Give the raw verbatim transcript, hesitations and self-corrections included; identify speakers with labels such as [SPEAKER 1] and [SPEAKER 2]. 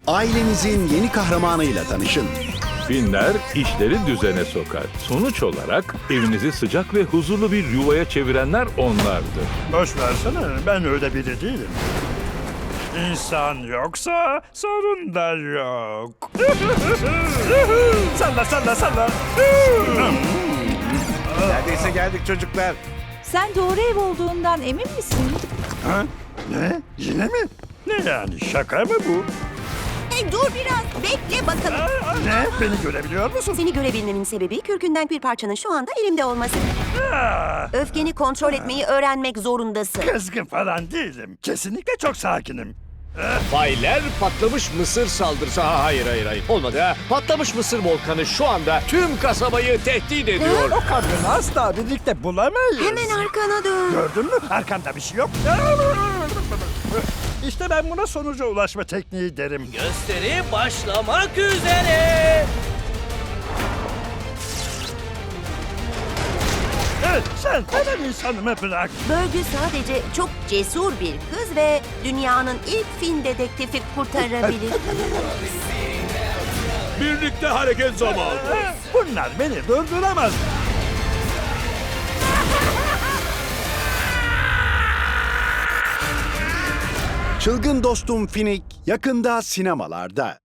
[SPEAKER 1] Ailenizin yeni kahramanıyla tanışın.
[SPEAKER 2] Finler işleri düzene sokar. Sonuç olarak evinizi sıcak ve huzurlu bir yuvaya çevirenler onlardır.
[SPEAKER 3] Boş versene, ben öyle biri değilim. İnsan yoksa sorun da yok. Salla salla salla.
[SPEAKER 4] Neredeyse geldik çocuklar.
[SPEAKER 5] Sen doğru ev olduğundan emin misin?
[SPEAKER 3] Ha? Ne? Yine mi? Ne yani, şaka mı bu?
[SPEAKER 6] Hey, dur biraz, bekle bakalım.
[SPEAKER 3] Aa, ne? Beni görebiliyor musun?
[SPEAKER 6] Seni görebilmemin sebebi kürkünden bir parçanın şu anda elimde olması.
[SPEAKER 3] Aa,
[SPEAKER 6] Öfkeni kontrol etmeyi öğrenmek zorundasın.
[SPEAKER 3] kızgın falan değilim. Kesinlikle çok sakinim.
[SPEAKER 4] Baylar, patlamış mısır saldırısı. Ha, hayır hayır hayır. Olmadı ha. Patlamış mısır volkanı şu anda tüm kasabayı tehdit ediyor.
[SPEAKER 3] O kadını asla birlikte bulamayız.
[SPEAKER 6] Hemen arkana dön.
[SPEAKER 3] Gördün mü? Arkanda bir şey yok. İşte ben buna sonuca ulaşma tekniği derim.
[SPEAKER 7] Gösteri başlamak üzere.
[SPEAKER 3] Evet, sen hemen insanımı bırak.
[SPEAKER 6] Bölgü sadece çok cesur bir kız ve dünyanın ilk Fin dedektifi kurtarabilir.
[SPEAKER 4] Birlikte hareket zamanı.
[SPEAKER 3] Bunlar beni durduramaz.
[SPEAKER 1] Çılgın Dostum Finik yakında sinemalarda.